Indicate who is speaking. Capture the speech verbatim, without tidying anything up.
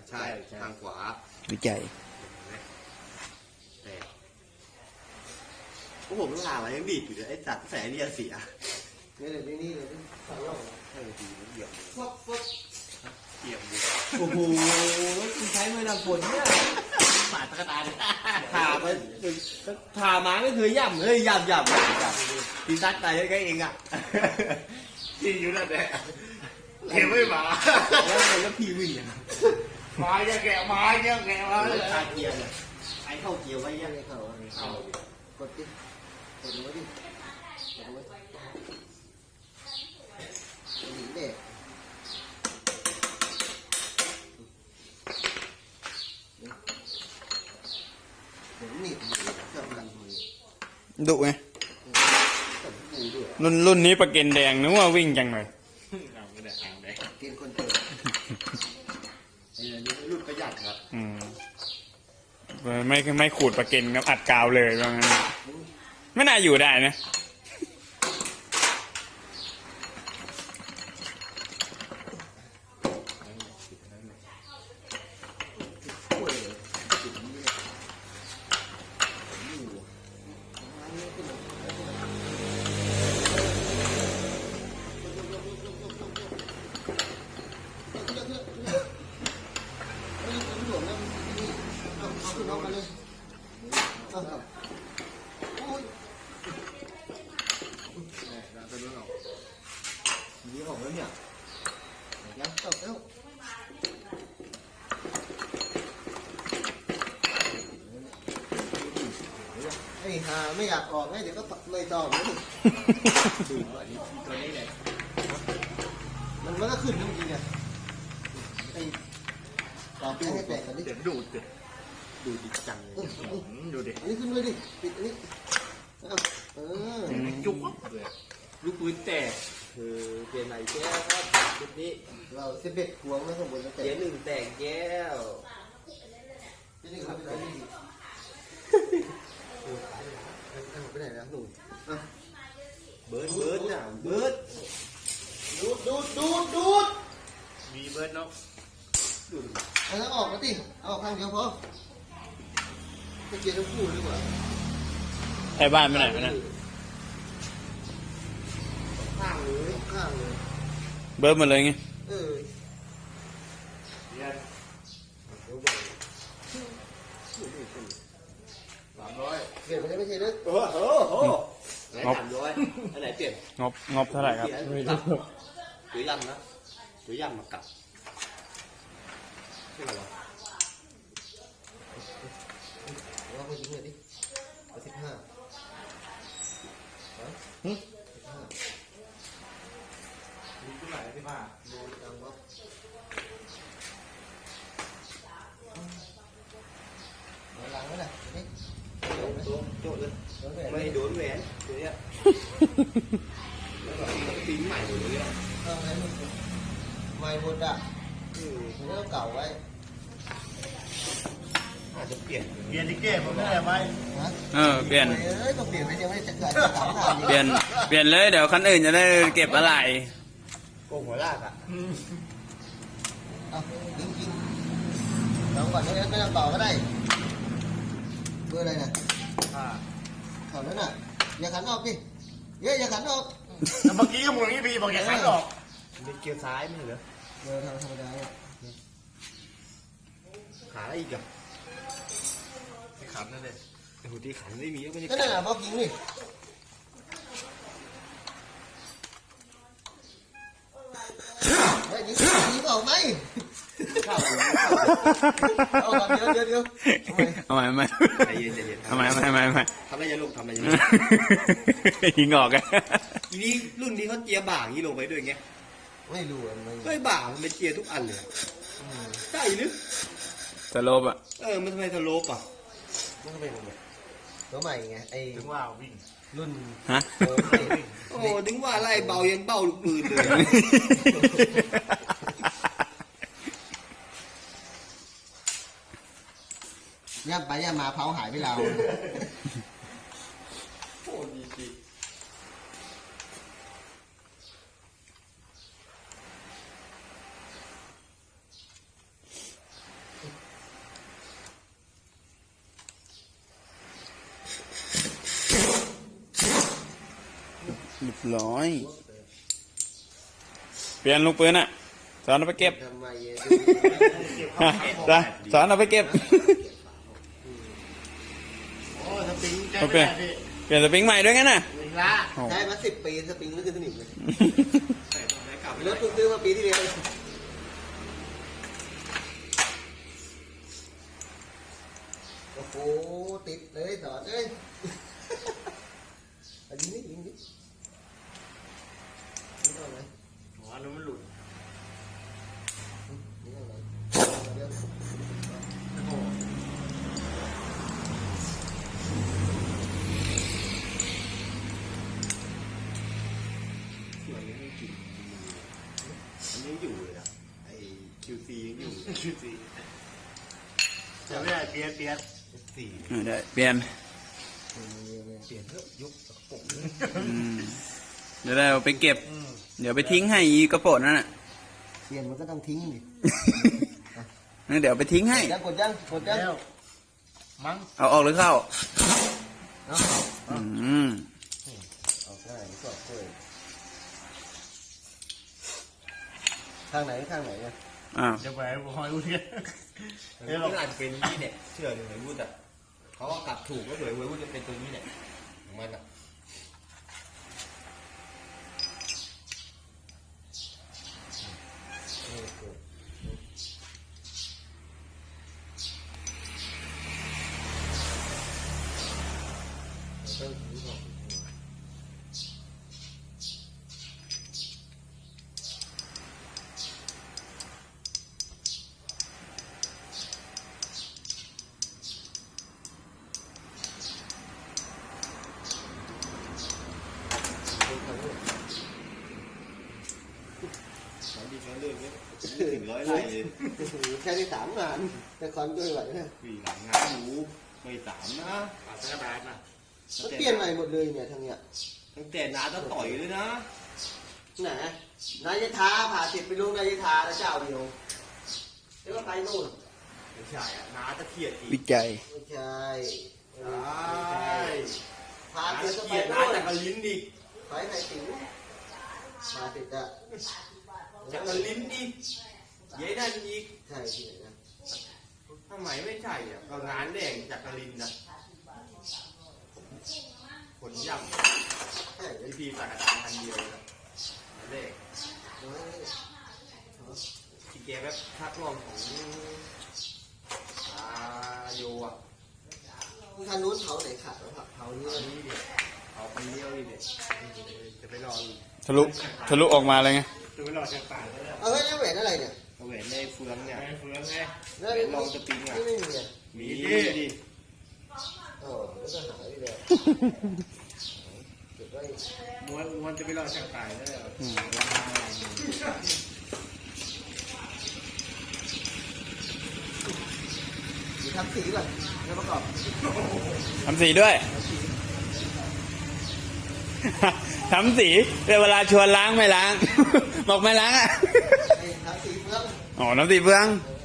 Speaker 1: ใช่ทางขวา
Speaker 2: วิจัย
Speaker 1: แต่พวกผมต้องหาอะไรยังบีบอยู่เลยไอ้สัตว์แสงนี่เสียนี่เลยนี่เลยสองรอบใช่ดีเหยียบฟบฟบเหยียบโอ้โหคุณใช้ไม่นำฝนเนี่ยปาดตะกตาเลยผ่าไปผ่ามาไม่เคยย่ำเลยย่ำย่ำย่ำตีซัดตายแค่เองอ่ะที่อยู่นั่นแหละเขียวไม่มาแล้วแล้วพี่วิ่งยังไม้จะแกะไม้จะแกะไม้เลยขาเกียร์เนี่ยไอ้เข้าเกียร์ไว้ยังไงเข้าเข้ากดดิกดไว้ดิกดไว้หนีเด็กเดี๋ยวหนีบเจ้ามัน
Speaker 2: ดุไงรุ่นรุ่นนี้ประเก็นแดงนึกว่าวิ่งจังเลย
Speaker 1: เอาไม่ได้เอาได้เกณฑ์คนเติมไอ้นี่รุ่นประหยัดครับ
Speaker 2: อืมไม่ไม่ขูดประเก็นครับอัดกาวเลยว่างั้นไม่น่าอยู่ได้นะ
Speaker 1: นี่ของแล้วเนี่ยยังตกแล้วไอ้ห่าไม่อยากออกไงเดี๋ยวก็ไม่ต่อเลยดูตัวนี้เลยมันมันก็ขึ้นจริงๆเนี่ยไอ้ต่อไปให้แตกกันดิเดี๋ยวดูดดิดูดิจังดูดิอันนี้ขึ้นเลยดิปิดอันนี้เออจุ๊บเลยลูกปืนแตกคือเปลี่ยนใหม่แก้วครับชุดนี้เราเซเบ็ดพวงไม่ข้างบนแล้วแต่เจ๊หนึ่งแตกแก้วเจ๊หนึ่งทำไปไหนนี่ไปไหนนะหนุ่มเบิร์ดเบิร์ดน่ะเบิร์ดดูดดูดดูดดูดมีเบิร์ดเนาะดูดเอาแล้วออกมาติเอาออกข้างเดียวพอจะเกียร์ทั้งคู่ดีกว่า
Speaker 2: ไอ้บ้านไปไหนนะ
Speaker 1: ข้างเลยข้างเลย
Speaker 2: เบิร์ดหมดเลยไง
Speaker 1: เออเรียนสามร้อยเปลี่ยนไปได้ไม่ใช่เลยโอ้โหโอ้โหสามร้อยอันไหนเปลี่ยน
Speaker 2: งบงบเท่าไหร่ครับ
Speaker 1: หรือยำนะหรือยำมากับใช่ไหมวะว่าเขายิงเลยดิสิบห้าฮึสิบห้าดูเท่าไหร่สิบห้าดูดังวะหลังนั่นแหละนี่โดนโดนเลยไม่โดนแหวนตัวเนี้ยแล้วก็ตีใหม่หมดเลยอ่ะใหม่หมดอ่ะมันก็เก่าไว้อาจจะเปลี่ยนเปลี่ยนดิเก้ผมไม่ได้ไหม
Speaker 2: เออเปลี่ยน
Speaker 1: เอ้ยต้องเปลี่ยนไปยังไม่จะเกิดสามทาง
Speaker 2: เปลี่ยนเปลี่ยนเลยเดี๋ยวคันอื่นจะได้เก็บอะไร
Speaker 1: โกงหัวลากอ่ะเอาจริงจริงลองก่อนไม่ต้องต่อก็ได้เบอร์อะไรเนี่ยข่าวนั้นน่ะอย่าขันออกดิเยอะอย่าขันออก
Speaker 3: เมื่อกี้ก็มึงนี่พี่บอกอย่าขันออก
Speaker 1: เป็นเกียร์ซ้ายไม่เหรอเบอร์ธรรมดาขาอะไรอีกอ่ะที่ขันนั่นเลยโอ้โหที่ขันไม่มีก็ไม่ได้ก็นั่นแหละบอกยิงนี่เฮ้ยยิงยิงออกไหมเข้าเอาเดี๋ยวเดี๋ยวเดี๋ยว
Speaker 2: ทำไมทำไม
Speaker 1: ใจเย็นใจเย็น
Speaker 2: ทำไมทำไมทำไมทำไม
Speaker 1: ทำอะไรอย่าลงทำอะไรอย่าลง
Speaker 2: ยิงออกไง
Speaker 1: ทีนี้รุ่นนี้เขาเจียบ่างนี้ลงไปด้วยไงไม่รู้อ่ะเฮ้ยบ่างมันเป็นเจียทุกอันเลยใช่หรือ
Speaker 2: สโลปอ่ะ
Speaker 1: เออมันทำไมสโลปอ่ะมันทำไมผมตัวใหม่ไงไอ้
Speaker 3: ถึงว่าวิ่ง
Speaker 1: รุ่น
Speaker 2: ฮะ
Speaker 1: โอ้ถึงว่าไล่เบายังเบาลูกปืนเลยย่ำไปย่ำมาเผาหายไปแล้วโอ้ดีจริง
Speaker 2: เรียบร้อย เปลี่ยนลูกปืนอ่ะ สอนเอาไปเก็บ
Speaker 1: ทำไมเย็น
Speaker 2: ฮะจ้ะสอนเอาไปเก็บ
Speaker 3: โอ้สปริงใจ
Speaker 2: โอ
Speaker 3: ไม่
Speaker 2: เค
Speaker 3: ได้พี่
Speaker 2: เปลี่ยนสปริงใหม่ด้วยงั้นน่ะ
Speaker 3: หนึ่งละ
Speaker 2: โอ้
Speaker 1: ใช้มาสิบปีสปริงไม่ขึ้นสนิมเลย
Speaker 3: ใส่ตรงไหนกลับ
Speaker 1: รถเพิ่งซื้อมาปีที่แล้วโอ้โหติดเลยสอนเอ้ยอันนี้นี่ยิงดินี่เอาไหน
Speaker 3: หัวนู้นมันหลุด
Speaker 1: นี่เอาไหนเดี๋ยว
Speaker 3: โอ้โห
Speaker 1: สวยไม่กินอันนี้อยู่เลยอ่ะไอ้ คิว ซี ยังอยู่
Speaker 3: คิวซีจะไม่ได้เปียดเปียด
Speaker 1: สี่
Speaker 2: ได้เปลี่ยน
Speaker 1: เปลี่ยนเถอะยุคกระปุก
Speaker 2: อืมเดี๋ยวเราไปเก็บ เดี๋ยวไปทิ้งให้อีกระโปรงนั่นน่ะ
Speaker 1: เปลี่ยนมันก็ต้องทิ้งดิ
Speaker 2: งั้นเดี๋ยวไปทิ้งให้
Speaker 1: ยังกดยังกดยัง
Speaker 3: แล้วมั้ง
Speaker 2: เอาออกหรือเข้า
Speaker 1: เอา
Speaker 2: อืม
Speaker 1: เอาง่ายก็กล้วยข้างไหนข้างไหนเนี่ย
Speaker 2: อ้าว
Speaker 3: จะไปหอยอุ้ย
Speaker 1: เฮ้ยเราอาจจะเป็นนี่เนี่ยเชื่อเลยหวยวุฒิอ่ะเขาก็กลับถูกก็เลยหวยวุฒิจะเป็นตัวนี้เนี่ยของมันอ่ะเออเออเราต้องถือก่อน สามดีแค่เรื่องนี้ถึงร้อยไร่เลยแค่ได้สามงานแต่คอนด้วยไหวนะ
Speaker 3: สี่หลังงานหมูไม่สามนะปาดกระดาษนะ
Speaker 1: มันเปลี่ยนใหม่หมดเลยเนี่ยทางเนี้ย
Speaker 3: ตั้งแต่น้าต้องต่อยเลยนะ
Speaker 1: ไหนนายทาผ่าเสร็จไปลงนายทาแล้วเจ้าเดียวแล้วก็ไปนู่น
Speaker 3: ไม่ใช่อะน้าจะเครียดอี
Speaker 2: วิ
Speaker 3: ก
Speaker 2: จัย
Speaker 1: ไม่ใช่
Speaker 3: ใช่
Speaker 1: พา
Speaker 3: น้า
Speaker 1: เสร็จ
Speaker 3: จะ
Speaker 1: ก็
Speaker 3: เค
Speaker 1: ไป
Speaker 3: รียดน้า
Speaker 1: นู่น
Speaker 3: จากกระลิ้นดิ
Speaker 1: ไปไหนติ๋วมาเสร็จอะ
Speaker 3: จากกระลิ้นดิเย้ได้อีก
Speaker 1: ใช่ที่ไหนนะ
Speaker 3: ทำไมไม่ใช่อ่ะก็งานแดงจากกระลิ้นนะขนย่
Speaker 1: ใช่
Speaker 3: ำ
Speaker 1: เลย
Speaker 3: พีพีสักกระดาษพันเดียวเลยเลข
Speaker 1: เฮ้ย
Speaker 3: ที่แกแบบทักลองของอาโยอ่ะ
Speaker 1: ทางนู้นเผาไหนขาดแล้วผักเผานี่
Speaker 3: เอานี่เด็กเอาคนเดียวนี่เด็กจะไปรออีก
Speaker 2: ทะลุ ทะลุออกมาเลยไง
Speaker 3: จะไปรอจากป่าแล้ว
Speaker 1: เอาเฮ้ยนี่แหวนอะไรเนี่ย
Speaker 3: เอาแหวนในเฟืองเนี่ยเฟืองไง
Speaker 1: แล้ว
Speaker 3: แหวนลองสปริงอ่ะ
Speaker 1: นี่ไม่มีอ่ะ
Speaker 3: มีดิ
Speaker 1: อ๋อแล้วก็หายไปเลยเก็บไว้
Speaker 3: ม้วนม้วนจะไปรอจากป่าแล้ว
Speaker 2: อืม
Speaker 1: เดี๋ยวทำสีก่อนแล้วประกอบ
Speaker 2: ทำสีด้วย ทำสีแต่เวลาชวนล้างไม่ล้าง บอกไม่ล้างอ่ะ
Speaker 1: ไอ้ทำสีเฟือง
Speaker 2: อ๋อ น้ำสีเฟือง
Speaker 1: เออ